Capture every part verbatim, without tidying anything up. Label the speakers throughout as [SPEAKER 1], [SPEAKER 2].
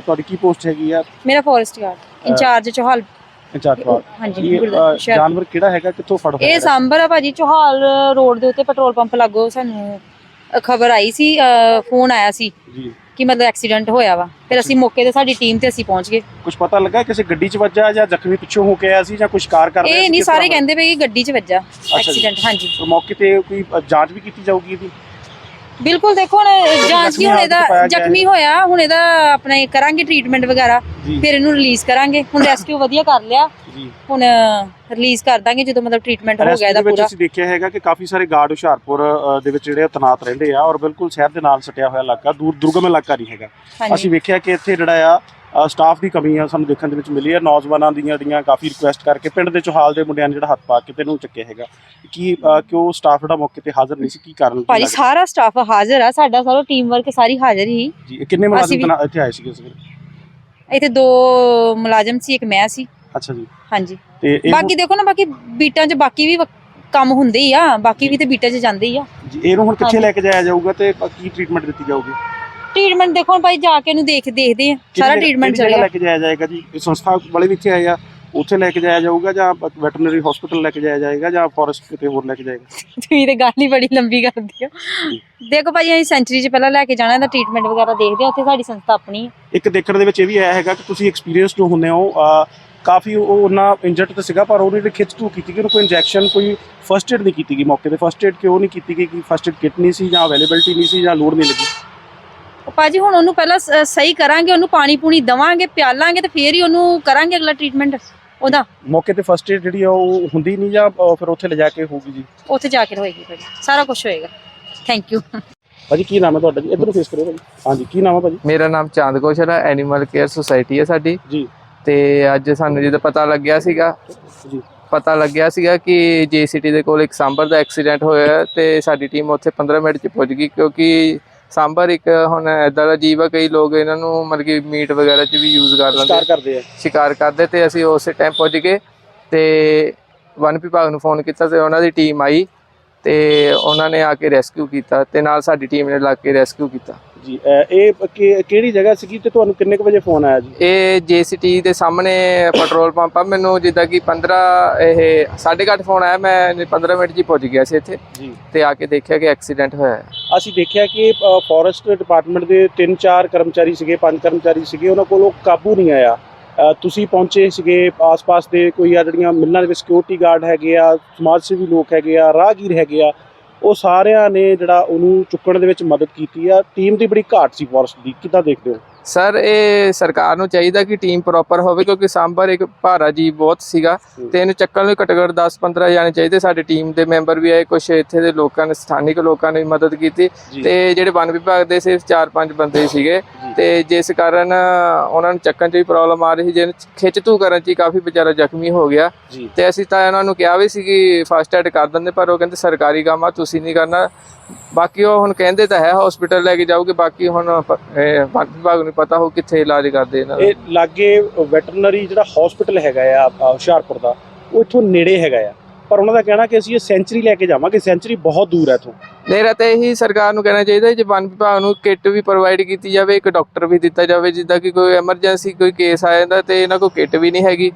[SPEAKER 1] ਤੁਹਾਡੀ ਕੀ ਪੋਸਟ ਹੈਗੀ ਆ?
[SPEAKER 2] ਮੇਰਾ forest guard incharge Chohal
[SPEAKER 1] incharge.
[SPEAKER 2] ਹਾਂਜੀ।
[SPEAKER 1] ਜਾਨਵਰ ਕਿਹੜਾ ਹੈਗਾ, ਕਿੱਥੋਂ ਫੜ ਹੋਇਆ?
[SPEAKER 2] ਇਹ ਸਾਂਭਰ ਆ ਭਾਜੀ, ਚੋਹਾਲ ਰੋਡ ਦੇ ਉੱਤੇ ਪੈਟਰੋਲ ਪੰਪ ਲਾਗੋ ਸਾਨੂੰ ਖਬਰ ਆਈ ਸੀ, ਫੋਨ ਆਇਆ ਸੀ
[SPEAKER 1] ਜੀ
[SPEAKER 2] ਕਿ ਮਤਲਬ ਐਕਸੀਡੈਂਟ ਹੋਇਆ ਵਾ। ਫਿਰ ਅਸੀਂ ਮੌਕੇ ਤੇ ਸਾਡੀ ਟੀਮ ਤੇ ਅਸੀਂ ਪਹੁੰਚ ਗਏ।
[SPEAKER 1] ਕੁਝ ਪਤਾ ਲੱਗਾ ਕਿਸੇ ਗੱਡੀ 'ਚ ਵੱਜਾ ਜਾਂ ਜ਼ਖਮੀ ਪਿੱਛੋਂ ਹੋ ਕੇ ਆਇਆ ਸੀ ਜਾਂ ਕੁਝ ਕਾਰ ਕਰ ਰਿਹਾ ਸੀ?
[SPEAKER 2] ਇਹ ਨਹੀਂ, ਸਾਰੇ ਕਹਿੰਦੇ ਪਏ ਕਿ ਗੱਡੀ 'ਚ ਵੱਜਾ ਐਕਸੀਡੈਂਟ। ਹਾਂਜੀ,
[SPEAKER 1] ਮੌਕੇ ਤੇ ਕੋਈ ਜਾਂਚ ਵੀ ਕੀਤੀ ਜਾਊਗੀ ਇਹਦੀ?
[SPEAKER 2] ਬਿਲਕੁਲ। ਦੇਖੋ ਹੁਣ ਜਾਂਚ ਕੀ, ਹੁਣ ਇਹਦਾ ਜ਼ਖਮੀ ਹੋਇਆ, ਹੁਣ ਇਹਦਾ ਆਪਣਾ ਕਰਾਂਗੇ ਟ੍ਰੀਟਮੈਂਟ ਵਗੈਰਾ, ਫਿਰ ਇਹਨੂੰ ਰਿਲੀਜ਼ ਕਰਾਂਗੇ। ਹੁਣ ਰੈਸਕਿਊ ਵਧੀਆ ਕਰ ਲਿਆ, ਹੁਣ ਰਿਲੀਜ਼ ਕਰ ਦਾਂਗੇ ਜਦੋਂ ਮਤਲਬ ਟ੍ਰੀਟਮੈਂਟ ਹੋ ਗਿਆ ਇਹਦਾ ਪੂਰਾ। ਅਸੀਂ ਦੇਖਿਆ ਹੈਗਾ ਕਿ ਕਾਫੀ ਸਾਰੇ ਗਾਰਡ ਹੁਸ਼ਿਆਰਪੁਰ ਦੇ ਵਿੱਚ ਜਿਹੜੇ ਤੈਨਾਤ ਰਹਿੰਦੇ ਆ ਔਰ ਬਿਲਕੁਲ ਸ਼ਹਿਰ ਦੇ ਨਾਲ ਸਟਿਆ ਹੋਇਆ ਇਲਾਕਾ, ਦੂਰ ਦੁਰਗਮ ਇਲਾਕਾ ਨਹੀਂ ਹੈਗਾ। ਅਸੀਂ ਵੇਖਿਆ ਕਿ ਇੱਥੇ ਜਿਹੜਾ ਆ ਸਟਾਫ ਦੀ ਕਮੀ ਆ ਸਾਨੂੰ ਦੇਖਣ ਦੇ ਵਿੱਚ ਮਿਲੀ ਹੈ। ਨੌਜਵਾਨਾਂ ਦੀਆਂ ਜਿਹੜੀਆਂ ਕਾਫੀ ਰਿਕੁਐਸਟ ਕਰਕੇ ਪਿੰਡ ਦੇ ਚੋਹਾਲ ਦੇ ਮੁੰਡਿਆਂ ਨੇ ਜਿਹੜਾ ਹੱਥ ਪਾ ਕੇ ਤੈਨੂੰ ਚੱਕਿਆ ਹੈਗਾ ਕਿ ਕਿਉਂ ਸਟਾਫ ਜਿਹੜਾ ਮੌਕੇ ਤੇ ਹਾਜ਼ਰ ਨਹੀਂ ਸੀ, ਕੀ ਕਾਰਨ? ਭਾਜੀ ਸਾਰਾ ਸਟਾਫ ਹਾਜ਼ਰ ਆ, ਸਾਡਾ ਸਾਰਾ ਟੀਮ ਵਰਕ ਸਾਰੀ ਹਾਜ਼ਰ ਹੀ ਜੀ।
[SPEAKER 1] ਕਿੰਨੇ ਮੁਲਾਜ਼ਮ ਇੱਥੇ ਆਏ ਸੀਗੇ?
[SPEAKER 2] ਇੱਥੇ ਦੋ ਮੁਲਾਜ਼ਮ ਸੀ, ਇੱਕ ਮੈਂ ਸੀ।
[SPEAKER 1] ਅੱਛਾ ਜੀ।
[SPEAKER 2] ਹਾਂਜੀ। ਤੇ ਬਾਕੀ ਦੇਖੋ ਨਾ, ਬਾਕੀ ਬੀਟਾਂ 'ਚ ਬਾਕੀ ਵੀ ਕੰਮ ਹੁੰਦੇ ਹੀ ਆ, ਬਾਕੀ ਵੀ ਤੇ ਬੀਟਾਂ 'ਚ ਜਾਂਦੇ ਹੀ ਆ
[SPEAKER 1] ਜੀ। ਇਹਨੂੰ ਹੁਣ ਕਿੱਥੇ ਲੈ ਕੇ ਜਾਇਆ ਜਾਊਗਾ ਤੇ ਕੀ ਟ੍ਰੀਟਮੈਂਟ ਦਿੱਤੀ ਜਾਊਗੀ?
[SPEAKER 2] ਟ੍ਰੀਟਮੈਂਟ ਦੇਖੋ ਭਾਈ ਜਾ ਕੇ ਇਹਨੂੰ ਦੇਖ ਦੇਖਦੇ ਆ, ਸਾਰਾ ਟ੍ਰੀਟਮੈਂਟ ਚੱਲੇਗਾ। ਲੈ
[SPEAKER 1] ਕੇ ਜਾਇਆ ਜਾਏਗਾ ਜੀ? ਇਹ ਸੰਸਥਾ ਵਾਲੇ ਵੀ ਇੱਥੇ ਆਏ ਆ, ਉੱਥੇ ਲੈ ਕੇ ਜਾਇਆ ਜਾਊਗਾ ਜਾਂ ਵੈਟਰਨਰੀ ਹਸਪੀਟਲ ਲੈ ਕੇ ਜਾਇਆ ਜਾਏਗਾ ਜਾਂ ਫੋਰੈਸਟ ਕਿਤੇ ਹੋਰ ਲੈ ਕੇ ਜਾਏਗਾ?
[SPEAKER 2] ਤੁਸੀਂ ਤੇ ਗੱਲ ਹੀ ਬੜੀ ਲੰਬੀ ਕਰਦੀ ਹੋ। ਦੇਖੋ ਭਾਈ ਅਸੀਂ ਸੈਂਚਰੀ 'ਚ ਪਹਿਲਾਂ ਲੈ ਕੇ ਜਾਣਾ, ਇਹਦਾ ਟ੍ਰੀਟਮੈਂਟ ਵਗੈਰਾ ਦੇਖਦੇ ਆ, ਉੱਥੇ ਸਾਡੀ ਸੰਸਥਾ ਆਪਣੀ ਹੈ। ਇੱਕ
[SPEAKER 1] ਦੇਖਣ ਦੇ ਵਿੱਚ ਇਹ ਵੀ ਆਇਆ ਹੈਗਾ ਕਿ ਤੁਸੀਂ ਐਕਸਪੀਰੀਅੰਸ ਜੋ ਹੁੰਦੇ ਹੋ, ਕਾਫੀ ਉਹ ਉਹਨਾਂ ਇੰਜਰਡ ਤਾਂ ਸੀਗਾ ਪਰ ਉਹਨੇ ਖਿੱਚ ਧੂ ਕੀਤੀ ਕਿ ਉਹਨੂੰ ਕੋਈ ਇੰਜੈਕਸ਼ਨ, ਕੋਈ ਫਸਟ ਏਡ ਨਹੀਂ ਕੀਤੀ ਗਈ ਮੌਕੇ ਤੇ। ਫਸਟ ਏਡ ਕਿਉਂ ਨਹੀਂ ਕੀਤੀ ਗਈ? ਕਿ ਫਸਟ ਏਡ ਕਿਟ ਨਹੀਂ ਸੀ ਜਾਂ ਅਵੇਲੇਬਿਲਿਟੀ ਨਹੀਂ ਸੀ ਜਾਂ ਲੋੜ ਨਹੀਂ ਲੱਗੀ?
[SPEAKER 2] ਭਾਜੀ ਹੁਣ ਉਹਨੂੰ ਪਹਿਲਾਂ ਸਹੀ ਕਰਾਂਗੇ, ਉਹਨੂੰ ਪਾਣੀ ਪੂਣੀ ਦੇਵਾਂਗੇ, ਪਿਆਲਾਂਗੇ ਤੇ ਫੇਰ ਹੀ ਉਹਨੂੰ ਕਰਾਂਗੇ ਅਗਲਾ ਟ੍ਰੀਟਮੈਂਟ ਉਹਦਾ। ਮੌਕੇ
[SPEAKER 1] ਤੇ ਫਸਟ ਏਡ ਜਿਹੜੀ ਆ ਉਹ ਹੁੰਦੀ ਨਹੀਂ ਜਾਂ ਫਿਰ ਉੱਥੇ ਲਿਜਾ ਕੇ ਹੋਊਗੀ ਜੀ?
[SPEAKER 2] ਉੱਥੇ ਜਾ ਕੇ ਹੋਏਗੀ ਭਾਜੀ, ਸਾਰਾ ਕੁਝ ਹੋਏਗਾ। ਥੈਂਕ ਯੂ
[SPEAKER 1] ਭਾਜੀ। ਕੀ ਨਾਮ ਹੈ ਤੁਹਾਡਾ ਜੀ? ਇੱਧਰ ਨੂੰ ਫੇਸ ਕਰੋ ਭਾਜੀ। ਹਾਂਜੀ, ਕੀ ਨਾਮ ਹੈ ਭਾਜੀ?
[SPEAKER 3] ਮੇਰਾ ਨਾਮ ਚਾਂਦ ਕੌਸ਼ਲ ਹੈ, ਐਨੀਮਲ ਕੇਅਰ ਸੁਸਾਇਟੀ ਹੈ ਸਾਡੀ ਜੀ। ਤੇ ਅੱਜ ਸਾਨੂੰ ਜਦੋਂ ਪਤਾ ਲੱਗਿਆ ਸੀਗਾ ਜੀ ਪਤਾ ਲੱਗਿਆ ਸੀਗਾ ਕਿ ਜੇ ਸਿਟੀ ਦੇ ਕੋਲ ਇੱਕ ਸਾਂਭਰ ਦਾ ਐਕਸੀਡੈਂਟ ਹੋਇਆ ਤੇ ਸਾਡੀ ਟੀਮ ਉੱਥੇ ਪੰਦਰਾਂ ਮਿੰਟ 'ਚ ਪਹੁੰਚ ਗਈ, ਕਿਉਂਕਿ ਸਾਂਭਰ ਇੱਕ ਹੁਣ ਇੱਦਾਂ ਦਾ ਜੀਵ ਆ, ਕਈ ਲੋਕ ਇਹਨਾਂ ਨੂੰ ਮਤਲਬ ਕਿ ਮੀਟ ਵਗੈਰਾ 'ਚ ਵੀ ਯੂਜ਼ ਕਰ ਲੈਂਦੇ, ਸ਼ਿਕਾਰ ਕਰਦੇ ਆ ਸ਼ਿਕਾਰ ਕਰਦੇ ਤੇ ਅਸੀਂ ਉਸੇ ਟਾਈਮ ਪਹੁੰਚ ਗਏ ਤੇ ਵਨ ਵਿਭਾਗ ਨੂੰ ਫੋਨ ਕੀਤਾ ਤੇ ਉਹਨਾਂ ਦੀ ਟੀਮ ਆਈ ਤੇ ਉਹਨਾਂ ਨੇ ਆ ਕੇ ਰੈਸਕਿਊ ਕੀਤਾ ਤੇ ਨਾਲ ਸਾਡੀ ਟੀਮ ਨੇ ਲੱਗ ਕੇ ਰੈਸਕਿਊ ਕੀਤਾ
[SPEAKER 1] ਜੀ। ਇਹ ਕਿਹੜੀ ਜਗ੍ਹਾ ਸੀਗੀ ਤੇ ਤੁਹਾਨੂੰ ਕਿੰਨੇ ਕੁ ਵਜੇ ਫੋਨ ਆਇਆ ਜੀ?
[SPEAKER 3] ਇਹ ਜੇਸੀਟੀ ਦੇ ਸਾਹਮਣੇ ਪੈਟਰੋਲ ਪੰਪ ਆ। ਮੈਨੂੰ ਜਿੱਦਾਂ ਕਿ ਪੰਦਰਾਂ ਇਹ ਸਾਢੇ ਕੁ ਅੱਠ ਫੋਨ ਆਇਆ, ਮੈਂ ਪੰਦਰਾਂ ਮਿੰਟ 'ਚ ਹੀ ਪਹੁੰਚ ਗਿਆ ਸੀ ਇੱਥੇ ਜੀ ਤੇ ਆ ਕੇ ਦੇਖਿਆ ਕਿ ਐਕਸੀਡੈਂਟ ਹੋਇਆ ਹੈ।
[SPEAKER 1] ਅਸੀਂ ਦੇਖਿਆ ਕਿ ਫੋਰੈਸਟ ਡਿਪਾਰਟਮੈਂਟ ਦੇ ਤਿੰਨ ਚਾਰ ਕਰਮਚਾਰੀ ਸੀਗੇ, ਪੰਜ ਕਰਮਚਾਰੀ ਸੀਗੇ, ਉਹਨਾਂ ਕੋਲੋਂ ਕਾਬੂ ਨਹੀਂ ਆਇਆ। ਤੁਸੀਂ ਪਹੁੰਚੇ ਸੀਗੇ, ਆਸ-ਪਾਸ ਦੇ ਕੋਈ ਆ ਜਿਹੜੀਆਂ ਮਿਲਣਾਂ ਦੇ ਵਿੱਚ ਸਿਕਿਉਰਿਟੀ ਗਾਰਡ ਹੈਗੇ ਆ, ਸਮਾਜ ਸੇਵੀ ਲੋਕ ਹੈਗੇ ਆ, ਰਾਹਗੀਰ ਹੈਗੇ ਆ, ਉਹ ਸਾਰਿਆਂ ਨੇ ਜਿਹੜਾ ਉਹਨੂੰ ਚੁੱਕਣ ਦੇ ਵਿੱਚ ਮਦਦ ਕੀਤੀ ਆ। ਟੀਮ ਦੀ ਬੜੀ ਘਾਟ ਸੀ ਫੋਰੈਸਟ ਦੀ, ਕਿੱਦਾਂ ਦੇਖਦੇ ਹੋ?
[SPEAKER 3] ਸਰ ਇਹ ਸਰਕਾਰ ਨੂੰ ਚਾਹੀਦਾ ਕਿ ਟੀਮ ਪ੍ਰੋਪਰ ਹੋਵੇ, ਕਿਉਂਕਿ ਸਾਂਭਰ ਇੱਕ ਭਾਰਾ ਜੀਵ ਬਹੁਤ ਸੀਗਾ ਤੇ ਇਹਨੂੰ ਚੱਕਣ ਲਈ ਘੱਟੋ ਘੱਟ ਦਸ ਪੰਦਰਾਂ ਜਾਣੇ ਚਾਹੀਦੇ। ਸਾਡੇ ਟੀਮ ਦੇ ਮੈਂਬਰ ਵੀ ਆਏ, ਕੁਛ ਇੱਥੇ ਦੇ ਲੋਕਾਂ ਨੇ, ਸਥਾਨਿਕ ਲੋਕਾਂ ਨੇ ਮਦਦ ਕੀਤੀ ਤੇ ਜਿਹੜੇ ਵਨ ਵਿਭਾਗ ਦੇ ਸਿਰਫ ਚਾਰ ਪੰਜ ਬੰਦੇ ਸੀਗੇ ਤੇ ਜਿਸ ਕਾਰਨ ਉਹਨਾਂ ਨੂੰ ਚੱਕਣ 'ਚ ਵੀ ਪ੍ਰੋਬਲਮ ਆ ਰਹੀ ਸੀ, ਜਿਹਨੂੰ ਖਿੱਚ ਧੂ ਕਰਨ 'ਚ ਹੀ ਕਾਫੀ ਵਿਚਾਰਾ ਜ਼ਖਮੀ ਹੋ ਗਿਆ ਤੇ ਅਸੀਂ ਤਾਂ ਇਹਨਾਂ ਨੂੰ ਕਿਹਾ ਵੀ ਸੀ ਕਿ ਫਸਟ ਐਡ ਕਰ ਦਿੰਦੇ, ਪਰ ਉਹ ਕਹਿੰਦੇ ਸਰਕਾਰੀ ਕੰਮ ਆ, ਤੁਸੀਂ ਨਹੀਂ ਕਰਨਾ। ਬਾਕੀ ਉਹ ਹੁਣ ਕਹਿੰਦੇ ਤਾਂ ਹੈ ਹਸਪੀਟਲ ਲੈ ਕੇ ਜਾਓਗੇ, ਬਾਕੀ ਹੁਣ ਵਨ ਵਿਭਾਗ ਨੂੰ ਪਤਾ ਹੋ ਕਿੱਥੇ ਇਲਾਜ ਕਰਦੇ ਇਹਨਾਂ ਦਾ।
[SPEAKER 1] ਇਹ ਲਾਗੇ ਵੈਟਰਨਰੀ ਜਿਹੜਾ ਹਸਪੀਟਲ ਹੈਗਾ ਆ ਹੁਸ਼ਿਆਰਪੁਰ ਦਾ, ਉਹ ਇੱਥੋਂ ਨੇੜੇ ਹੈਗਾ ਆ, ਪਰ ਉਹਨਾਂ ਦਾ ਕਹਿਣਾ ਕਿ ਅਸੀਂ ਇਹ ਸੈਂਚਰੀ ਲੈ ਕੇ ਜਾਵਾਂਗੇ, ਸੈਂਚਰੀ ਬਹੁਤ ਦੂਰ ਹੈ ਇੱਥੋਂ।
[SPEAKER 3] ਮੇਰਾ ਤਾਂ ਇਹੀ ਸਰਕਾਰ ਨੂੰ ਕਹਿਣਾ ਚਾਹੀਦਾ ਜੇ ਵਨ ਵਿਭਾਗ ਨੂੰ ਕਿੱਟ ਵੀ ਪ੍ਰੋਵਾਈਡ ਕੀਤੀ ਜਾਵੇ, ਇੱਕ ਡਾਕਟਰ ਵੀ ਦਿੱਤਾ ਜਾਵੇ, ਜਿੱਦਾਂ ਕਿ ਕੋਈ ਐਮਰਜੈਂਸੀ ਕੋਈ ਕੇਸ ਆ ਜਾਂਦਾ ਤੇ ਇਹਨਾਂ ਕੋਲ ਕਿੱਟ ਵੀ ਨਹੀਂ ਹੈਗੀ।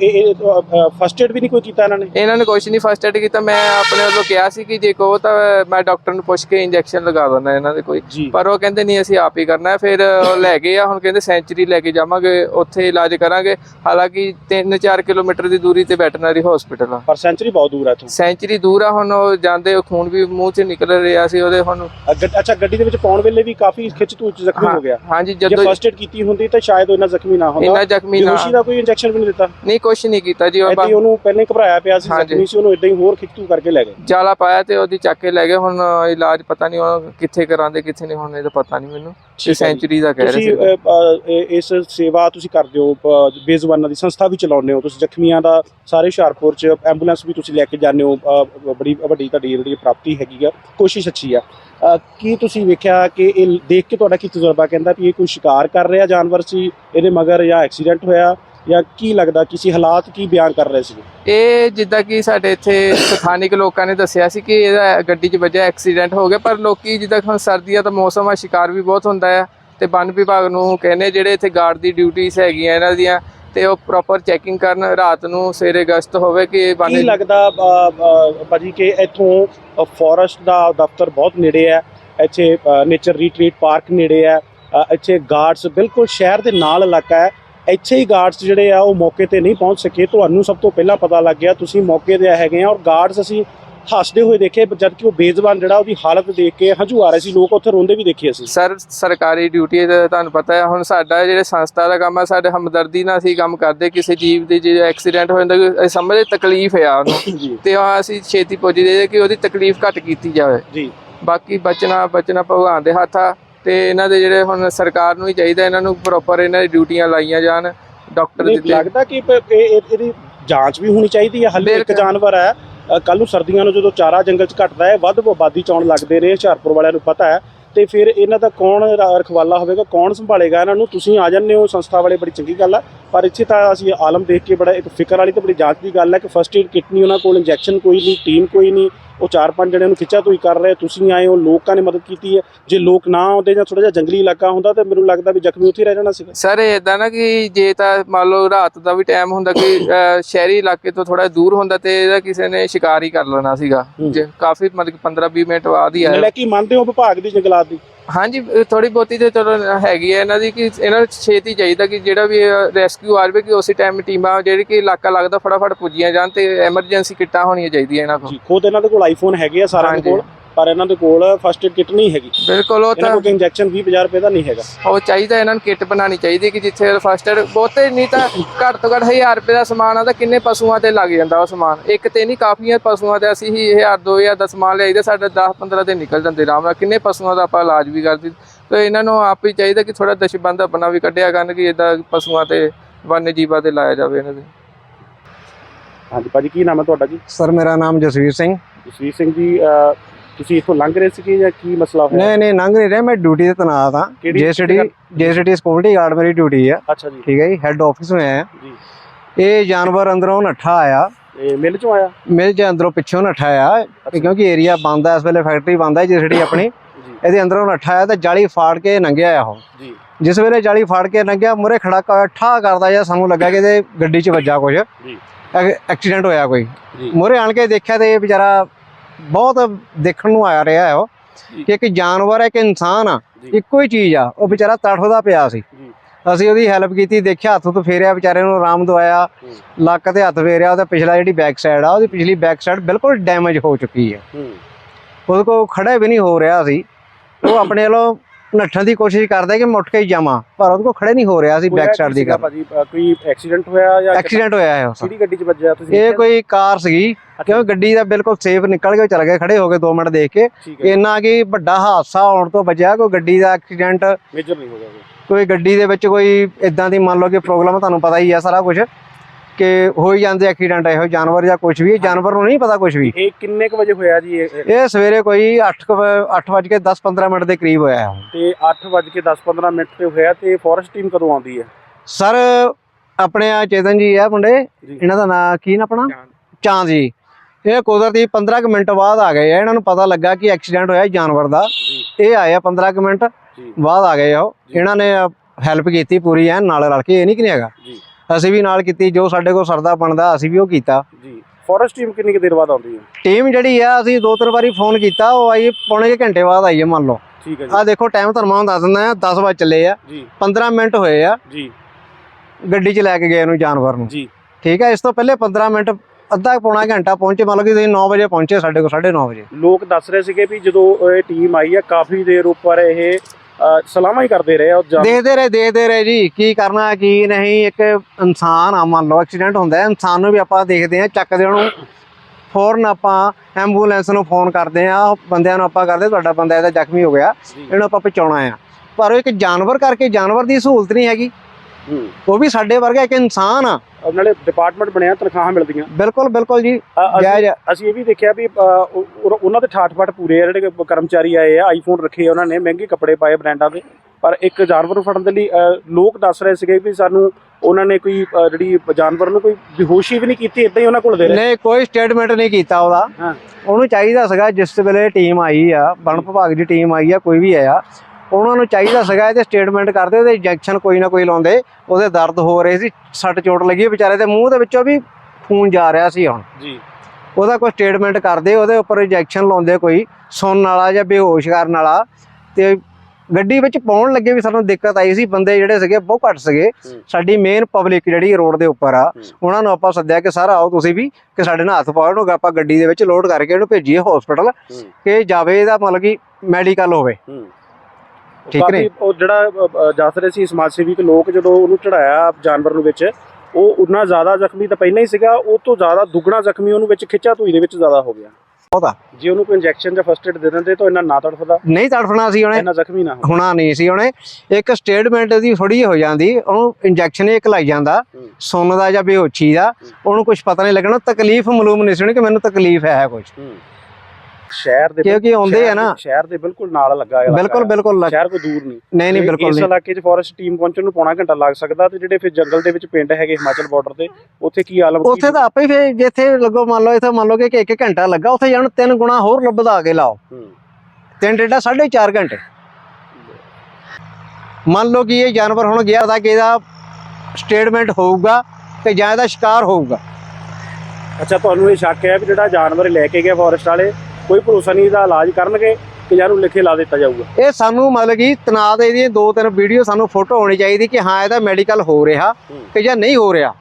[SPEAKER 1] ਫਸਟ ਏਡ ਵੀ ਨਹੀਂ ਕੋਈ ਕੀਤਾ ਇਹਨਾਂ ਨੇ?
[SPEAKER 3] ਇਹਨਾਂ ਨੇ ਕੁਛ ਨਹੀਂ ਫਸਟ ਏਡ ਕੀਤਾ। ਮੈਂ ਆਪਣੇ ਵੱਲੋਂ ਕਿਹਾ ਸੀ ਕਿ ਜੇ ਕਹੋ ਤਾਂ ਮੈਂ ਡਾਕਟਰ ਨੂੰ ਪੁੱਛ ਕੇ ਇੰਜੈਕਸ਼ਨ ਲਗਾ ਦਿੰਦਾ ਇਹਨਾਂ ਦੇ ਕੋਈ, ਪਰ ਉਹ ਕਹਿੰਦੇ ਨਹੀਂ ਅਸੀਂ ਆਪ ਹੀ ਕਰਨਾ। ਫਿਰ ਲੈ ਗਏ ਆ, ਹੁਣ ਕਹਿੰਦੇ ਸੈਂਚਰੀ ਲੈ ਕੇ ਜਾਵਾਂਗੇ, ਉੱਥੇ ਇਲਾਜ ਕਰਾਂਗੇ। ਹਾਲਾਂਕਿ ਤਿੰਨ ਚਾਰ ਕਿਲੋਮੀਟਰ ਦੀ ਦੂਰੀ ਤੇ ਵੈਟਰਨਰੀ ਹਸਪੀਟਲ ਆ,
[SPEAKER 1] ਪਰ ਸੈਂਚਰੀ ਬਹੁਤ ਦੂਰ ਆ ਇੱਥੋਂ।
[SPEAKER 3] ਸੈਂਚਰੀ ਦੂਰ ਆ, ਹੁਣ ਉਹ ਜਾਂਦੇ ਖੂਨ ਵੀ ਮੂੰਹ 'ਚ ਨਿਕਲ ਰਿਹਾ ਸੀ ਉਹਦੇ। ਹੁਣ
[SPEAKER 1] ਅੱਛਾ, ਗੱਡੀ ਦੇ ਵਿੱਚ ਪਾਉਣ ਵੇਲੇ ਵੀ ਕਾਫੀ ਖਿੱਚ ਧੂ 'ਚ ਜ਼ਖਮੀ ਹੋ ਗਿਆ।
[SPEAKER 3] ਹਾਂਜੀ, ਜਦੋਂ
[SPEAKER 1] ਫਸਟ ਏਡ ਕੀਤੀ ਹੁੰਦੀ ਤਾਂ ਸ਼ਾਇਦ ਉਹ ਇੰਨਾ ਜ਼ਖਮੀ ਨਾ ਹੁੰਦਾ।
[SPEAKER 3] ਇੰਨਾ ਜ਼ਖਮੀ ਨਾ,
[SPEAKER 1] ਬੇਹੋਸ਼ੀ ਦਾ ਕੋਈ ਇੰਜੈਕਸ਼ਨ ਵੀ ਨਹੀਂ ਦਿੱਤਾ?
[SPEAKER 3] ਨਹੀਂ, ਕੁਛ ਨਹੀਂ ਕੀਤਾ ਜੀ।
[SPEAKER 1] ਉਹ ਉਹਨੂੰ ਪਹਿਲਾਂ ਹੀ ਘਬਰਾਇਆ ਪਿਆ ਸੀ, ਜ਼ਖਮੀ ਸੀ, ਉਹਨੂੰ ਇਦਾਂ ਹੀ ਹੋਰ ਖਿੱਚ ਧੂ ਕਰਕੇ ਲੈ ਗਏ,
[SPEAKER 3] ਜਾਲਾ ਪਾਇਆ ਤੇ ਉਹਦੀ ਚੱਕ ਕੇ ਲੈ ਗਏ। ਹੁਣ ਇਲਾਜ ਪਤਾ ਨਹੀਂ ਉਹ ਕਿੱਥੇ ਕਰਾਂਦੇ ਕਿੱਥੇ ਨਹੀਂ, ਹੁਣ ਇਹਦਾ ਪਤਾ ਨਹੀਂ ਮੈਨੂੰ। ਸੈਂਚਰੀ ਦਾ ਕਹਿ ਰਹੇ ਸੀ।
[SPEAKER 1] ਇਸ ਸੇਵਾ ਤੁਸੀਂ ਕਰਦੇ ਹੋ, ਬੇਜ਼ੁਬਾਨਾਂ ਦੀ ਸੰਸਥਾ ਵੀ ਚਲਾਉਂਦੇ ਹੋ ਤੁਸੀਂ, ਜ਼ਖਮੀਆਂ ਦਾ ਸਾਰੇ ਹੁਸ਼ਿਆਰਪੁਰ 'ਚ ਐਂਬੂਲੈਂਸ ਵੀ ਤੁਸੀਂ ਲੈ ਕੇ ਜਾਂਦੇ ਹੋ, ਬੜੀ ਵੱਡੀ ਤੁਹਾਡੀ ਜਿਹੜੀ ਪ੍ਰਾਪਤੀ ਹੈਗੀ ਆ, ਕੋਸ਼ਿਸ਼ ਅੱਛੀ ਆ। ਕੀ ਤੁਸੀਂ ਵੇਖਿਆ ਕਿ ਇਹ ਦੇਖ ਕੇ ਤੁਹਾਡਾ ਕੀ ਤਜਰਬਾ ਕਹਿੰਦਾ ਵੀ ਇਹ ਕੋਈ ਸ਼ਿਕਾਰ ਕਰ ਰਿਹਾ ਜਾਨਵਰ ਸੀ ਇਹਦੇ ਮਗਰ, ਜਾਂ ਐਕਸੀਡੈਂਟ ਹੋਇਆ, ਜਾਂ ਕੀ ਲੱਗਦਾ ਕਿਸੇ ਹਾਲਾਤ ਕੀ ਬਿਆਨ ਕਰ ਰਹੇ ਸੀ?
[SPEAKER 3] ਇਹ ਜਿੱਦਾਂ ਕਿ ਸਾਡੇ ਇੱਥੇ ਸਥਾਨਿਕ ਲੋਕਾਂ ਨੇ ਦੱਸਿਆ ਸੀ ਕਿ ਇਹਦਾ ਗੱਡੀ 'ਚ ਵੱਜਿਆ, ਐਕਸੀਡੈਂਟ ਹੋ ਗਿਆ। ਪਰ ਲੋਕੀ ਜਿੱਦਾਂ ਹੁਣ ਸਰਦੀਆਂ ਦਾ ਮੌਸਮ ਆ, ਸ਼ਿਕਾਰ ਵੀ ਬਹੁਤ ਹੁੰਦਾ ਆ ਤੇ ਵਨ ਵਿਭਾਗ ਨੂੰ ਕਹਿੰਦੇ ਜਿਹੜੇ ਇੱਥੇ ਗਾਰਡ ਦੀ ਡਿਊਟੀਆਂ ਹੈਗੀਆਂ ਇਹਨਾਂ ਦੀਆਂ ਤੇ ਉਹ ਪ੍ਰੋਪਰ ਚੈਕਿੰਗ ਕਰਨ, ਰਾਤ ਨੂੰ ਸਵੇਰੇ ਗਸ਼ਤ ਹੋਵੇ ਕਿ
[SPEAKER 1] ਕੀ ਲੱਗਦਾ ਭਾਜੀ ਕਿ ਇੱਥੋਂ ਫੋਰੈਸਟ ਦਾ ਦਫ਼ਤਰ ਬਹੁਤ ਨੇੜੇ ਹੈ, ਇੱਥੇ ਨੇਚਰ ਰੀਟਰੀਟ ਪਾਰਕ ਨੇੜੇ ਹੈ, ਇੱਥੇ ਗਾਰਡਸ ਬਿਲਕੁਲ ਸ਼ਹਿਰ ਦੇ ਨਾਲ ਇਲਾਕਾ ਹੈ, ਇੱਥੇ ਹੀ ਗਾਰਡਸ ਜਿਹੜੇ ਆ ਉਹ ਮੌਕੇ ਤੇ ਨਹੀਂ ਪਹੁੰਚ ਸਕੇ। ਤੁਹਾਨੂੰ ਸਭ ਤੋਂ ਪਹਿਲਾਂ ਪਤਾ ਲੱਗ ਗਿਆ, ਤੁਸੀਂ ਮੌਕੇ ਤੇ ਹੈਗੇ ਆ, ਔਰ ਗਾਰਡਸ ਅਸੀਂ ਹੱਸਦੇ ਹੋਏ ਦੇਖੇ ਜਦ ਕਿ ਉਹ ਬੇਜ਼ਬਾਨ ਜਿਹੜਾ ਉਹਦੀ ਹਾਲਤ ਦੇਖ ਕੇ ਹੰਝੂ ਆ ਰਹੇ ਸੀ, ਲੋਕ ਉੱਥੇ ਰੋਂਦੇ ਵੀ ਦੇਖੇ ਅਸੀਂ।
[SPEAKER 3] ਸਰ ਸਰਕਾਰੀ ਡਿਊਟੀ ਦਾ ਤੁਹਾਨੂੰ ਪਤਾ ਹੈ, ਹੁਣ ਸਾਡਾ ਜਿਹੜੇ ਸੰਸਥਾ ਦਾ ਕੰਮ ਆ, ਸਾਡੇ ਹਮਦਰਦੀ ਨਾਲ ਅਸੀਂ ਕੰਮ ਕਰਦੇ। ਕਿਸੇ ਜੀਵ ਦੇ ਜੇ ਐਕਸੀਡੈਂਟ ਹੋ ਜਾਂਦਾ, ਅਸੀਂ ਸਮਝਦੇ ਤਕਲੀਫ ਆ ਉਹਨੂੰ ਤੇ ਅਸੀਂ ਛੇਤੀ ਪੁੱਜਦੇ ਕਿ ਉਹਦੀ ਤਕਲੀਫ ਘੱਟ ਕੀਤੀ ਜਾਵੇ ਜੀ। ਬਾਕੀ ਬਚਣਾ ਬਚਣਾ ਭਗਵਾਨ ਦੇ ਹੱਥ ਆ ਤੇ ਇਹਨਾਂ ਦੇ ਜਿਹੜੇ ਹੁਣ ਸਰਕਾਰ ਨੂੰ ਹੀ ਚਾਹੀਦਾ ਇਹਨਾਂ ਨੂੰ ਪ੍ਰੋਪਰ ਇਹਨਾਂ ਦੀ ਡਿਊਟੀਆਂ ਲਾਈਆਂ ਜਾਣ। ਡਾਕਟਰ ਦਿੱਤੇ
[SPEAKER 1] ਲੱਗਦਾ ਕਿ ਇਹਦੀ ਜਾਂਚ ਵੀ ਹੋਣੀ ਚਾਹੀਦੀ ਹੈ। ਹਲੇ ਇੱਕ ਜਾਨਵਰ ਹੈ, ਕੱਲ ਨੂੰ ਸਰਦੀਆਂ ਨੂੰ ਜਦੋਂ ਚਾਰਾ ਜੰਗਲ 'ਚ ਘਟਦਾ ਹੈ, ਵੱਧ ਆਬਾਦੀ 'ਚ ਆਉਣ ਲੱਗਦੇ ਨੇ, ਹੁਸ਼ਿਆਰਪੁਰ ਵਾਲਿਆਂ ਨੂੰ ਪਤਾ ਹੈ, ਤੇ ਫਿਰ ਇਹਨਾਂ ਦਾ ਕੌਣ ਰਖਵਾਲਾ ਹੋਵੇਗਾ, ਕੌਣ ਸੰਭਾਲੇਗਾ ਇਹਨਾਂ ਨੂੰ? ਤੁਸੀਂ ਆ ਜਾਂਦੇ ਹੋ ਸੰਸਥਾ ਵਾਲੇ, ਬੜੀ ਚੰਗੀ ਗੱਲ ਹੈ, ਪਰ ਇੱਥੇ ਤਾਂ ਅਸੀਂ ਆਲਮ ਦੇਖ ਕੇ ਬੜਾ ਇੱਕ ਫਿਕਰ ਵਾਲੀ ਤੇ ਬੜੀ ਜਾਂਚ ਦੀ ਗੱਲ ਹੈ ਕਿ ਫਸਟ ਏਡ ਕਿਟ ਨਹੀਂ ਉਹਨਾਂ ਕੋਲ, ਇੰਜੈਕਸ਼ਨ ਕੋਈ ਨਹੀਂ, ਟੀਮ ਕੋਈ ਨਹੀਂ, ਉਹ ਚਾਰ ਪੰਜ ਜਣਿਆਂ ਨੂੰ ਖਿੱਚਾ ਤੋਈ ਕਰ ਰਹੇ, ਤੁਸੀਂ ਆਏ ਹੋ, ਲੋਕਾਂ ਨੇ ਮਦਦ ਕੀਤੀ ਹੈ। ਜੇ ਲੋਕ ਨਾ ਆਉਂਦੇ ਜਾਂ ਥੋੜਾ ਜਿਹਾ ਜੰਗਲੀ ਇਲਾਕਾ ਹੁੰਦਾ ਤਾਂ ਮੈਨੂੰ ਲੱਗਦਾ ਵੀ ਜ਼ਖਮੀ ਉੱਥੇ ਰਹਿ ਜਾਣਾ ਸੀਗਾ।
[SPEAKER 3] ਸਰ ਇੱਦਾਂ ਨਾ ਕਿ ਜੇ ਤਾਂ ਮੰਨ ਲਓ ਰਾਤ ਦਾ ਵੀ ਟਾਈਮ ਹੁੰਦਾ ਕਿ ਸ਼ਹਿਰੀ ਇਲਾਕੇ ਤੋਂ ਥੋੜਾ ਦੂਰ ਹੁੰਦਾ ਤੇ ਇਹਦਾ ਕਿਸੇ ਨੇ ਸ਼ਿਕਾਰ ਹੀ ਕਰ ਲੈਣਾ ਸੀਗਾ। ਜੇ ਕਾਫੀ ਮਤਲਬ ਪੰਦਰਾਂ ਵੀਹ ਮਿੰਟ ਬਾਅਦ ਹੀ ਆਇਆ।
[SPEAKER 1] ਕੀ ਮੰਨਦੇ ਹੋ ਵਿਭਾਗ ਦੀ ਜੰਗਲਾਤ ਦੀ?
[SPEAKER 3] ਹਾਂਜੀ ਥੋੜੀ ਬਹੁਤੀ ਤੇ ਚਲੋ ਹੈਗੀ ਹੈ ਇਹਨਾਂ ਦੀ ਕਿ ਇਹਨਾਂ ਨੂੰ ਛੇਤੀ ਚਾਹੀਦਾ ਕਿ ਜਿਹੜਾ ਵੀ ਰੈਸਕਿਊ ਆ ਜਾਵੇ ਕਿ ਉਸੇ ਟਾਈਮ ਟੀਮਾਂ ਜਿਹੜੀ ਕਿ ਇਲਾਕਾ ਲੱਗਦਾ ਫਟਾਫਟ ਪੁੱਜੀਆਂ ਜਾਣ ਤੇ ਐਮਰਜੈਂਸੀ ਕਿੱਟਾਂ ਹੋਣੀਆਂ ਚਾਹੀਦੀਆਂ ਇਹਨਾਂ ਕੋਲ।
[SPEAKER 1] ਖੁਦ ਇਹਨਾਂ ਦੇ ਕੋਲ ਆਈਫੋਨ ਹੈਗੇ ਆ ਸਾਰਿਆਂ ਦੇ ਕੋਲ, ਪਰ ਇਹਨਾਂ ਦੇ ਕੋਲ ਫਸਟ ਏਡ ਕਿਟ ਨਹੀਂ ਹੈਗੀ।
[SPEAKER 3] ਬਿਲਕੁਲ ਉਹ ਤਾਂ
[SPEAKER 1] ਇੰਜੈਕਸ਼ਨ ਵੀਹ ਪੰਜਾਹ ਰੁਪਏ ਦਾ ਨਹੀਂ ਹੈਗਾ।
[SPEAKER 3] ਉਹ ਚਾਹੀਦਾ ਇਹਨਾਂ ਨੂੰ ਕਿੱਟ ਬਣਾਉਣੀ ਚਾਹੀਦੀ ਕਿ ਜਿੱਥੇ ਫਸਟ ਏਡ ਬਹੁਤੇ ਨਹੀਂ ਤਾਂ ਘੱਟ ਤੋਂ ਘੱਟ ਹਜ਼ਾਰ ਰੁਪਏ ਦਾ ਸਮਾਨ ਆ ਤਾਂ ਕਿੰਨੇ ਪਸ਼ੂਆਂ ਤੇ ਲੱਗ ਜਾਂਦਾ ਉਹ ਸਮਾਨ। ਇੱਕ ਤੇ ਨਹੀਂ ਕਾਫੀਆਂ ਪਸ਼ੂਆਂ ਤੇ ਅਸੀਂ ਹੀ ਹਜ਼ਾਰ ਦੋ ਹਜ਼ਾਰ ਦਾ ਸਮਾਨ ਲਿਆਈਦਾ, ਸਾਡੇ ਦਸ ਪੰਦਰਾਂ ਦਿਨ ਨਿਕਲ ਜਾਂਦੇ ਆਰਾਮ ਨਾਲ। ਕਿੰਨੇ ਪਸ਼ੂਆਂ ਦਾ ਆਪਾਂ ਇਲਾਜ ਵੀ ਕਰਦੇ ਤੇ ਇਹਨਾਂ ਨੂੰ ਆਪ ਹੀ ਚਾਹੀਦਾ ਕਿ ਥੋੜਾ ਦਸ਼ਬੰਦ ਆਪਣਾ ਵੀ ਕੱਢਿਆ ਕਰਨ ਕਿ ਇੱਦਾਂ ਪਸ਼ੂਆਂ ਤੇ ਵਨ ਜੀਵਾਂ ਤੇ ਲਾਇਆ ਜਾਵੇ ਇਹਨਾਂ ਦੇ।
[SPEAKER 1] ਹਾਂਜੀ ਭਾਜੀ ਕੀ ਨਾਮ ਹੈ ਤੁਹਾਡਾ ਜੀ?
[SPEAKER 4] ਸਰ ਮੇਰਾ ਨਾਮ ਜਸਵੀਰ ਸਿੰਘ।
[SPEAKER 1] ਜਸਵੀਰ ਸਿੰਘ ਜੀ ਤੁਸੀਂ ਇੱਥੋਂ ਲੰਘ ਰਹੇ ਸੀਗੇ ਜਾਂ ਕੀ ਮਸਲਾ ਹੋਇਆ?
[SPEAKER 4] ਨਹੀਂ ਨਹੀਂ ਲੰਘ ਨਹੀਂ ਰਿਹਾ, ਮੈਂ ਡਿਊਟੀ ਤੇ ਤੈਨਾਤ ਹਾਂ। ਜੇਸੀਡੀ ਜੇਸੀਡੀ ਸਿਕਿਉਰਿਟੀ ਗਾਰਡ ਮੇਰੀ ਡਿਊਟੀ ਆ।
[SPEAKER 1] ਅੱਛਾ ਜੀ
[SPEAKER 4] ਠੀਕ ਹੈ ਜੀ, ਹੈੱਡ ਆਫਿਸ में ਆਇਆ
[SPEAKER 1] ਜੀ।
[SPEAKER 4] ਇਹ ਜਾਨਵਰ ਅੰਦਰੋਂ ਨੱਠਾ ਆਇਆ,
[SPEAKER 1] ਇਹ ਮਿਲ ਚੋਂ ਆਇਆ?
[SPEAKER 4] ਮਿਲ ਚ ਅੰਦਰੋਂ ਪਿੱਛੋਂ ਨੱਠਾ ਆਇਆ ਕਿਉਂਕਿ ਏਰੀਆ ਬੰਦ ਹੈ ਇਸ ਵੇਲੇ, ਫੈਕਟਰੀ ਬੰਦ ਹੈ ਜੇਸੀਡੀ ਆਪਣੀ। ਇਹਦੇ ਅੰਦਰੋਂ ਨੱਠਾ ਆਇਆ ਤੇ ਜਾਲੀ ਫਾੜ ਕੇ ਲੰਘਿਆ ਉਹ ਜੀ। ਜਿਸ ਵੇਲੇ ਜਾਲੀ ਫਾੜ ਕੇ ਲੰਘਿਆ ਮੂਹਰੇ ਖੜਾਕਾ ਹੋਇਆ, ਠਾ ਕਰਦਾ ਜਾਂ ਸਾਨੂੰ ਲੱਗਾ ਕਿ ਇਹਦੇ ਗੱਡੀ 'ਚ ਵੱਜਾ ਕੁਝ, ਐਕਸੀਡੈਂਟ ਹੋਇਆ ਕੋਈ। ਮੂਹਰੇ ਆਣ ਕੇ ਦੇਖਿਆ ਤੇ ਇਹ ਵਿਚਾਰਾ ਬਹੁਤ ਦੇਖਣ ਨੂੰ ਆ ਰਿਹਾ ਹੈ ਉਹ ਕਿ ਇੱਕ ਜਾਨਵਰ ਹੈ, ਇੱਕ ਇਨਸਾਨ ਆ, ਇੱਕੋ ਹੀ ਚੀਜ਼ ਆ। ਉਹ ਵਿਚਾਰਾ ਤੜਫਦਾ ਪਿਆ ਸੀ, ਅਸੀਂ ਉਹਦੀ ਹੈਲਪ ਕੀਤੀ, ਦੇਖਿਆ ਹੱਥ ਤੋਂ ਫੇਰਿਆ, ਵਿਚਾਰੇ ਨੂੰ ਆਰਾਮ ਦਵਾਇਆ, ਲੱਕ ਤੇ ਹੱਥ ਫੇਰਿਆ। ਉਹਦਾ ਪਿਛਲਾ ਜਿਹੜੀ ਬੈਕ ਸਾਈਡ ਆ, ਉਹਦੀ ਪਿਛਲੀ ਬੈਕ ਸਾਈਡ ਬਿਲਕੁਲ ਡੈਮੇਜ ਹੋ ਚੁੱਕੀ ਹੈ। ਉਹਦੇ ਕੋਲ ਖੜਾ ਵੀ ਨਹੀਂ ਹੋ ਰਿਹਾ ਸੀ। ਉਹ ਆਪਣੇ ਵੱਲੋਂ ਨੱਠਣ ਦੀ ਕੋਸ਼ਿਸ਼ ਕਰਦਾ ਕਿ ਮੈਂ ਉੱਠ ਕੇ ਹੀ ਜਾਵਾਂ, ਪਰ ਉਹਦੇ ਕੋਲ ਖੜੇ ਨਹੀਂ ਹੋ ਰਿਹਾ ਸੀ। ਬੈਕ ਸਾਈਡ ਦੀ ਗੱਲ
[SPEAKER 1] ਭਾਜੀ ਕੋਈ ਐਕਸੀਡੈਂਟ ਹੋਇਆ ਜਾਂ
[SPEAKER 4] ਐਕਸੀਡੈਂਟ ਹੋਇਆ ਹੈ?
[SPEAKER 1] ਕਿਹੜੀ ਗੱਡੀ 'ਚ ਵੱਜਿਆ ਤੁਸੀਂ?
[SPEAKER 4] ਇਹ ਕੋਈ ਕਾਰ ਸੀਗੀ, ਕਿਉਂਕਿ ਗੱਡੀ ਦਾ ਬਿਲਕੁਲ ਸੇਫ ਨਿਕਲ ਕੇ ਚੱਲ ਗਏ, ਖੜੇ ਹੋ ਗਏ ਦੋ ਮਿੰਟ ਦੇਖ ਕੇ। ਇੰਨਾ ਕਿ ਵੱਡਾ ਹਾਦਸਾ ਹੋਣ ਤੋਂ ਬਚਿਆ, ਕੋਈ ਗੱਡੀ ਦਾ ਐਕਸੀਡੈਂਟ
[SPEAKER 1] ਮੇਜਰ ਨਹੀਂ ਹੋ ਗਿਆ।
[SPEAKER 4] ਕੋਈ ਗੱਡੀ ਦੇ ਵਿੱਚ ਕੋਈ ਇਦਾਂ ਦੀ ਮੰਨ ਲਓ ਕਿ ਪ੍ਰੋਬਲਮ, ਤੁਹਾਨੂੰ ਪਤਾ ਹੀ ਆ ਸਾਰਾ ਕੁਝ ਕਿ ਹੋ ਹੀ ਜਾਂਦੇ ਐਕਸੀਡੈਂਟ ਇਹੋ ਜਾਨਵਰ ਜਾਂ ਕੁਝ ਵੀ। ਜਾਨਵਰ ਨੂੰ ਨਹੀਂ ਪਤਾ ਕੁਝ ਵੀ।
[SPEAKER 1] ਇਹ ਕਿੰਨੇ ਕੁ ਵਜੇ ਹੋਇਆ ਜੀ?
[SPEAKER 4] ਇਹ ਸਵੇਰੇ ਕੋਈ ਅੱਠ ਅੱਠ ਵੱਜ ਕੇ ਦਸ ਪੰਦਰਾਂ ਮਿੰਟ ਦੇ ਕਰੀਬ ਹੋਇਆ।
[SPEAKER 1] ਤੇ ਅੱਠ ਵੱਜ ਕੇ ਦਸ ਪੰਦਰਾਂ ਮਿੰਟ ਤੇ ਹੋਇਆ ਤੇ ਫੋਰੈਸਟ ਟੀਮ ਕਦੋਂ ਆਉਂਦੀ ਹੈ?
[SPEAKER 4] ਸਰ ਆਪਣੇ ਆ ਚੇਤਨ ਜੀ ਆ ਮੁੰਡੇ, ਇਹਨਾਂ ਦਾ ਨਾਂ ਕੀ ਨਾ ਆਪਣਾ ਚਾਂਦ ਜੀ। ਇਹ ਕੁਦਰਤੀ ਪੰਦਰਾਂ ਕੁ ਮਿੰਟ ਬਾਅਦ ਆ ਗਏ ਆ। ਇਹਨਾਂ ਨੂੰ ਪਤਾ ਲੱਗਾ ਕਿ ਐਕਸੀਡੈਂਟ ਹੋਇਆ ਜਾਨਵਰ ਦਾ। ਇਹ ਆਏ ਆ ਪੰਦਰਾਂ ਕੁ ਮਿੰਟ ਬਾਅਦ ਆ ਗਏ ਉਹ। ਇਹਨਾਂ ਨੇ ਹੈਲਪ ਕੀਤੀ ਪੂਰੀ ਐਨ ਨਾਲ ਰਲ ਕੇ, ਇਹ ਨਹੀਂ ਕਿ ਨਹੀਂ ਹੈਗਾ, ਅਸੀਂ ਵੀ ਨਾਲ ਕੀਤੀ, ਜੋ ਸਾਡੇ ਕੋਲ ਸਰਦਾ ਬਣਦਾ ਅਸੀਂ ਵੀ ਉਹ ਕੀਤਾ ਜੀ।
[SPEAKER 1] ਫੋਰੈਸਟ ਟੀਮ ਕਿੰਨੀ ਕੁ ਦੇਰ ਬਾਅਦ ਆਉਂਦੀ ਹੈ?
[SPEAKER 4] ਟੀਮ ਜਿਹੜੀ ਆ ਅਸੀਂ ਦੋ ਤਿੰਨ ਵਾਰੀ ਫੋਨ ਕੀਤਾ, ਉਹ ਆਈ ਪੌਣੇ ਕੁ ਘੰਟੇ ਬਾਅਦ ਆਈ ਹੈ ਮੰਨ ਲਓ।
[SPEAKER 1] ਠੀਕ ਹੈ ਜੀ।
[SPEAKER 4] ਆ ਦੇਖੋ ਟਾਈਮ ਤੁਹਾਨੂੰ ਦੱਸ ਦਿੰਦਾ ਆ, ਦਸ ਵਜੇ ਚੱਲੇ ਆ ਜੀ, ਪੰਦਰਾਂ ਮਿੰਟ ਹੋਏ ਆ ਜੀ ਗੱਡੀ 'ਚ ਲੈ ਕੇ ਗਏ ਇਹਨੂੰ ਜਾਨਵਰ ਨੂੰ ਜੀ। ਠੀਕ ਹੈ, ਇਸ ਤੋਂ ਪਹਿਲੇ ਪੰਦਰਾਂ ਮਿੰਟ ਅੱਧਾ ਪੌਣਾ ਘੰਟਾ ਪਹੁੰਚੇ, ਮੰਨ ਲਓ ਕਿ ਤੁਸੀਂ ਨੌ ਵਜੇ ਪਹੁੰਚੇ ਸਾਡੇ ਕੋਲ, ਸਾਢੇ ਨੌ ਵਜੇ।
[SPEAKER 1] ਲੋਕ ਦੱਸ ਰਹੇ ਸੀਗੇ ਵੀ ਜਦੋਂ ਇਹ ਟੀਮ ਆਈ ਆ ਕਾਫੀ ਦੇਰ ਉੱਪਰ ਇਹ ਸਲਾਮਾਂ ਹੀ ਕਰਦੇ ਰਹੇ,
[SPEAKER 4] ਦੇਖਦੇ ਰਹੇ ਦੇਖਦੇ ਰਹੇ ਜੀ ਕੀ ਕਰਨਾ ਕੀ ਨਹੀਂ। ਇੱਕ ਇਨਸਾਨ ਆ, ਮੰਨ ਲਓ ਐਕਸੀਡੈਂਟ ਹੁੰਦਾ, ਇਨਸਾਨ ਨੂੰ ਵੀ ਆਪਾਂ ਦੇਖਦੇ ਹਾਂ, ਚੱਕਦੇ ਉਹਨੂੰ ਫੌਰਨ ਆਪਾਂ ਐਂਬੂਲੈਂਸ ਨੂੰ ਫੋਨ ਕਰਦੇ ਆ, ਬੰਦਿਆਂ ਨੂੰ ਆਪਾਂ ਕਰਦੇ ਤੁਹਾਡਾ ਬੰਦਾ ਇਹਦਾ ਜ਼ਖਮੀ ਹੋ ਗਿਆ, ਇਹਨੂੰ ਆਪਾਂ ਪਹੁੰਚਾਉਣਾ ਆ। ਪਰ ਉਹ ਇੱਕ ਜਾਨਵਰ ਕਰਕੇ ਜਾਨਵਰ ਦੀ ਸਹੂਲਤ ਨਹੀਂ ਹੈਗੀ। ਉਹ ਵੀ ਸਾਡੇ ਵਰਗਾ ਇੱਕ ਇਨਸਾਨ ਆ,
[SPEAKER 1] ਨਾਲੇ ਡਿਪਾਰਟਮੈਂਟ ਬਣਿਆ, ਤਨਖਾਹਾਂ ਮਿਲਦੀਆਂ।
[SPEAKER 4] ਬਿਲਕੁਲ ਬਿਲਕੁਲ ਜੀ।
[SPEAKER 1] ਅਸੀਂ ਇਹ ਵੀ ਦੇਖਿਆ ਵੀ ਉਹਨਾਂ ਦੇ ਠਾਠ ਫਾਠ ਪੂਰੇ ਆ, ਜਿਹੜੇ ਕਰਮਚਾਰੀ ਆਏ ਆ, ਆਈਫੋਨ ਰੱਖੇ ਉਹਨਾਂ ਨੇ, ਮਹਿੰਗੇ ਕੱਪੜੇ ਪਾਏ ਬ੍ਰਾਂਡਾਂ ਦੇ, ਪਰ ਇੱਕ ਜਾਨਵਰ ਨੂੰ ਫੜਨ ਦੇ ਲਈ ਲੋਕ ਦੱਸ ਰਹੇ ਸੀਗੇ ਵੀ ਸਾਨੂੰ ਉਹਨਾਂ ਨੇ ਕੋਈ ਜਿਹੜੀ ਜਾਨਵਰ ਨੂੰ ਕੋਈ ਬੇਹੋਸ਼ੀ ਵੀ ਨਹੀਂ ਕੀਤੀ, ਏਦਾਂ ਹੀ ਉਹਨਾਂ ਕੋਲ ਦੇ ਰਹੇ।
[SPEAKER 4] ਨਹੀਂ ਕੋਈ ਸਟੇਟਮੈਂਟ ਨਹੀਂ ਕੀਤਾ ਉਹਦਾ। ਉਹਨੂੰ ਚਾਹੀਦਾ ਸੀਗਾ ਜਿਸ ਵੇਲੇ ਟੀਮ ਆਈ ਆ, ਵਣ ਵਿਭਾਗ ਦੀ ਟੀਮ ਆਈ ਆ, ਕੋਈ ਵੀ ਆਇਆ, ਉਹਨਾਂ ਨੂੰ ਚਾਹੀਦਾ ਸੀਗਾ ਇਹਦੇ ਸਟੇਟਮੈਂਟ ਕਰਦੇ, ਉਹਦੇ ਇੰਜੈਕਸ਼ਨ ਕੋਈ ਨਾ ਕੋਈ ਲਾਉਂਦੇ, ਉਹਦੇ ਦਰਦ ਹੋ ਰਹੇ ਸੀ, ਸੱਟ ਚੋਟ ਲੱਗੀ ਵਿਚਾਰੇ ਦੇ ਮੂੰਹ ਦੇ ਵਿੱਚੋਂ ਵੀ ਖੂਨ ਜਾ ਰਿਹਾ ਸੀ ਹੁਣ
[SPEAKER 1] ਜੀ,
[SPEAKER 4] ਉਹਦਾ ਕੋਈ ਸਟੇਟਮੈਂਟ ਕਰਦੇ, ਉਹਦੇ ਉੱਪਰ ਇੰਜੈਕਸ਼ਨ ਲਾਉਂਦੇ ਕੋਈ ਸੁਣਨ ਵਾਲਾ ਜਾਂ ਬੇਹੋਸ਼ ਕਰਨ ਵਾਲਾ। ਤੇ ਗੱਡੀ ਵਿੱਚ ਪਾਉਣ ਲੱਗੇ ਵੀ ਸਾਨੂੰ ਦਿੱਕਤ ਆਈ ਸੀ, ਬੰਦੇ ਜਿਹੜੇ ਸੀਗੇ ਬਹੁਤ ਘੱਟ ਸੀਗੇ। ਸਾਡੀ ਮੇਨ ਪਬਲਿਕ ਜਿਹੜੀ ਰੋਡ ਦੇ ਉੱਪਰ ਆ, ਉਹਨਾਂ ਨੂੰ ਆਪਾਂ ਸੱਦਿਆ ਕਿ ਸਰ ਆਓ ਤੁਸੀਂ ਵੀ, ਕਿ ਸਾਡੇ ਨਾਲ ਹੱਥ ਪਾਓ, ਇਹਨੂੰ ਆਪਾਂ ਗੱਡੀ ਦੇ ਵਿੱਚ ਲੋਡ ਕਰਕੇ ਇਹਨੂੰ ਭੇਜੀਏ ਹਸਪੀਟਲ, ਕਿ ਜਾਵੇ ਇਹਦਾ ਮਤਲਬ ਕਿ ਮੈਡੀਕਲ ਹੋਵੇ। ਠੀਕ ਨੇ।
[SPEAKER 1] ਉਹ ਜਿਹੜਾ ਦੱਸ ਰਹੇ ਸੀ ਸਮਾਜ ਸੇਵੀ ਲੋਕ, ਜਦੋਂ ਉਹਨੂੰ ਚੜਾਇਆ ਜਾਨਵਰ ਨੂੰ ਵਿੱਚ, ਉਹ ਉਨਾ ਜ਼ਿਆਦਾ ਜ਼ਖਮੀ ਤਾਂ ਪਹਿਲਾਂ ਹੀ ਸੀਗਾ, ਉਹ ਤੋਂ ਜ਼ਿਆਦਾ ਦੁੱਗਣਾ ਜ਼ਖਮੀ ਉਹਨੂੰ ਵਿੱਚ ਖਿੱਚਾ ਧੂਈ ਦੇ ਵਿੱਚ ਜ਼ਿਆਦਾ ਹੋ ਗਿਆ।
[SPEAKER 4] ਉਹਦਾ
[SPEAKER 1] ਜੇ ਉਹਨੂੰ ਕੋਈ ਇੰਜੈਕਸ਼ਨ ਜਾਂ ਫਸਟ ਏਡ ਦੇ ਦਿੰਦੇ ਤਾਂ ਇਹਨਾਂ ਨਾ ਤੜਫਦਾ,
[SPEAKER 4] ਨਹੀਂ ਤੜਫਣਾ ਸੀ ਉਹਨੇ,
[SPEAKER 1] ਇਹਨਾਂ ਜ਼ਖਮੀ ਨਾ
[SPEAKER 4] ਹੋਣਾ ਨਹੀਂ ਸੀ ਉਹਨੇ। ਇੱਕ ਸਟੇਟਮੈਂਟ ਦੀ ਥੋੜੀ ਹੋ ਜਾਂਦੀ, ਉਹਨੂੰ ਇੰਜੈਕਸ਼ਨ ਇੱਕ ਲਾਈ ਜਾਂਦਾ ਸੁੰਨ ਦਾ ਜਾਂ ਬੇਹੋਸ਼ੀ ਦਾ, ਉਹਨੂੰ ਕੁਝ ਪਤਾ ਨਹੀਂ ਲੱਗਣਾ, ਤਕਲੀਫ ਮਾਲੂਮ ਨਹੀਂ ਸੀ ਕਿ ਮੈਨੂੰ ਤਕਲੀਫ ਹੈ ਕੁਝ।
[SPEAKER 1] ਸ਼ਹਿਰ ਦੇ
[SPEAKER 4] ਕਿਉਂਕਿ ਆਉਂਦੇ ਆ ਨਾ,
[SPEAKER 1] ਸ਼ਹਿਰ ਦੇ ਬਿਲਕੁਲ ਨਾਲ ਲੱਗਾ ਹੈ,
[SPEAKER 4] ਬਿਲਕੁਲ ਬਿਲਕੁਲ
[SPEAKER 1] ਸ਼ਹਿਰ ਕੋਈ ਦੂਰ ਨਹੀਂ।
[SPEAKER 4] ਨਹੀਂ ਨਹੀਂ ਬਿਲਕੁਲ
[SPEAKER 1] ਇਸ
[SPEAKER 4] ਨਹੀਂ।
[SPEAKER 1] ਇਲਾਕੇ 'ਚ ਫੋਰੈਸਟ ਟੀਮ ਪਹੁੰਚਣ ਨੂੰ ਪੌਣਾ ਘੰਟਾ ਲੱਗ ਸਕਦਾ, ਤੇ ਜਿਹੜੇ ਫਿਰ ਜੰਗਲ ਦੇ ਵਿੱਚ ਪਿੰਡ ਹੈਗੇ ਹਿਮਾਚਲ ਬਾਰਡਰ ਤੇ, ਉੱਥੇ ਕੀ ਆਲਮ?
[SPEAKER 4] ਉੱਥੇ ਤਾਂ ਆਪੇ ਫਿਰ ਜਿੱਥੇ ਲੱਗੋ, ਮੰਨ ਲਓ ਇੱਥੇ ਮੰਨ ਲਓ ਕਿ ਇੱਕ ਘੰਟਾ ਲੱਗਾ, ਉੱਥੇ ਜਾਣ ਤਿੰਨ ਗੁਣਾ ਹੋਰ ਵਧਾ ਕੇ ਲਾਓ, ਤਿੰਨ ਡੇਢਾ ਸਾਢੇ ਚਾਰ ਘੰਟੇ। ਮੰਨ ਲਓ ਕਿ ਇਹ ਜਾਨਵਰ ਹੁਣ ਗਿਆ ਤਾਂ ਕਿ ਇਹਦਾ ਸਟੇਟਮੈਂਟ ਹੋਊਗਾ ਕਿ ਜਾਂ ਇਹਦਾ ਸ਼ਿਕਾਰ ਹੋਊਗਾ।
[SPEAKER 1] ਅੱਛਾ, ਤੁਹਾਨੂੰ ਇਹ ਸ਼ੱਕ ਹੈ ਕਿ ਜਿਹੜਾ ਜਾਨਵਰ ਲੈ ਕੇ ਗਿਆ ਫੋਰੈਸਟ ਵਾਲੇ, ਕੋਈ ਭਰੋਸਾ ਨਹੀਂ ਇਹਦਾ ਇਲਾਜ ਕਰਨਗੇ ਕਿ ਜਾਂ ਨੂੰ ਲਿਖੇ ਲਾ ਦਿੱਤਾ ਜਾਊਗਾ? ਇਹ
[SPEAKER 4] ਸਾਨੂੰ ਮਤਲਬ ਕਿ ਤਨਾਤ ਇਹਦੀਆਂ ਦੋ ਤਿੰਨ ਵੀਡੀਓ, ਸਾਨੂੰ ਫੋਟੋ ਹੋਣੀ ਚਾਹੀਦੀ ਕਿ ਹਾਂ ਇਹਦਾ ਮੈਡੀਕਲ ਹੋ ਰਿਹਾ ਕਿ ਜਾਂ ਨਹੀਂ ਹੋ ਰਿਹਾ।